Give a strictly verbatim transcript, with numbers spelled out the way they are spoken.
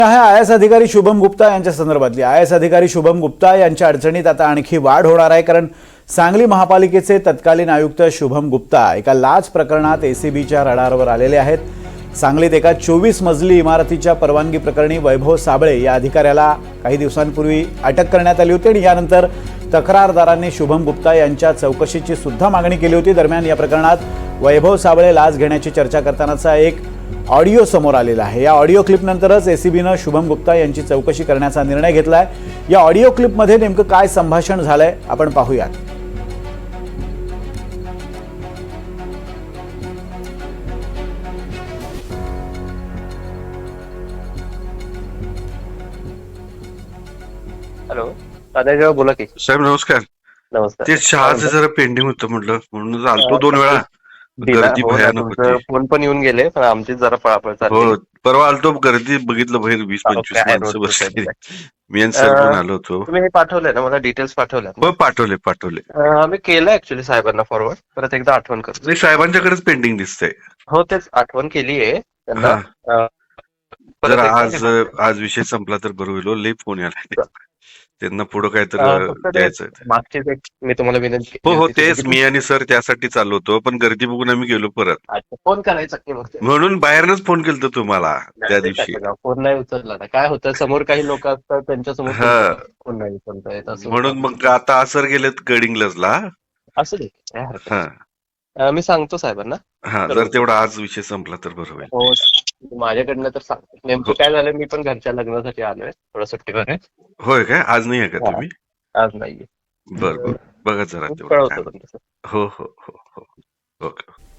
आहे I S अधिकारी शुभम गुप्ता यांच्या संदर्भातली। आय एस अधिकारी शुभम गुप्ता यांच्या अडचणीत आता आणखी वाढ होणार आहे, कारण सांगली महापालिकेचे तत्कालीन आयुक्त शुभम गुप्ता एका लाच प्रकरणात एसीबीच्या रडारवर आलेले आहेत। सांगलीत एका चोवीस मजली इमारतीच्या परवानगी प्रकरणी वैभव साबळे या अधिकाऱ्याला काही दिवसांपूर्वी अटक करण्यात आली होती आणि यानंतर तक्रारदारांनी शुभम गुप्ता यांच्या चौकशीची सुद्धा मागणी केली होती। दरम्यान या प्रकरणात वैभव साबळे लाच घेण्याची चर्चा करतानाचा एक ऑडिओ समोर आलेला आहे। या ऑडिओ क्लिपनंतरच एसीबीनं शुभम गुप्ता यांची चौकशी करण्याचा निर्णय घेतलाय। या ऑडिओ क्लिपमध्ये नेमकं काय संभाषण झालंय आपण पाहूयात। हॅलो, दादा बोला की साहेब नमस्कार। नमस्कार। ते चहाचं जरा पेंडिंग होतं म्हटलं, म्हणून आलतो दोन वेळा। गर्दी भयानक होती, फोन पण येऊन गेले, पण आमची जरा पळापळ चालली। हो, परवा आलतो, गर्दी बघितलं बाहेर वीस पंचवीस माणसं बसली। मी आणि सर पण आलो होतो। तुम्ही हे पाठवलंय ना मला, डिटेल्स पाठवल्या? हो पाठवले पाठवले मी केलं ऍक्च्युली साहेबांना फॉरवर्ड, परत एकदा आठवण करतो। नाही, साहेबांच्याकडेच पेंडिंग दिसतंय। हो, तेच आठवण केली आहे त्यांना। जर आज आज विषय संपला तर बरं होईल। लई फोन यायला त्यांना पुढं काय तर द्यायचं। मागचीच एक मी तुम्हाला विनंती हो हो तेच मी आणि सर त्यासाठी चाललो होतो, पण गर्दी बघून आम्ही गेलो परत। फोन करायचा की मग म्हणून बाहेरनच फोन केलतो तुम्हाला त्या दिवशी। फोन नाही उचलला ना, काय होतं समोर काही लोक असतात त्यांच्या समोर फोन नाही उचलता येत असं म्हणून मग आता सर गेलेत गडिंग्लजला। असं दे, काय हरकत नाही। मी सांगतो साहेबांना। हा, जर तेवढा आज विषय संपला तर बरं होईल। हो, माझ्याकडनं तर सांगतो नेमकं काय झालं। मी पण घरच्या लग्नासाठी आलोय, थोडं सुट्टीवर आहे। होय काय, आज नाही आहे का तुम्ही? आज नाहीये। बरं बरं, बघा जरा तेवढं। कळवतो तुमचं। हो हो हो हो, ओके।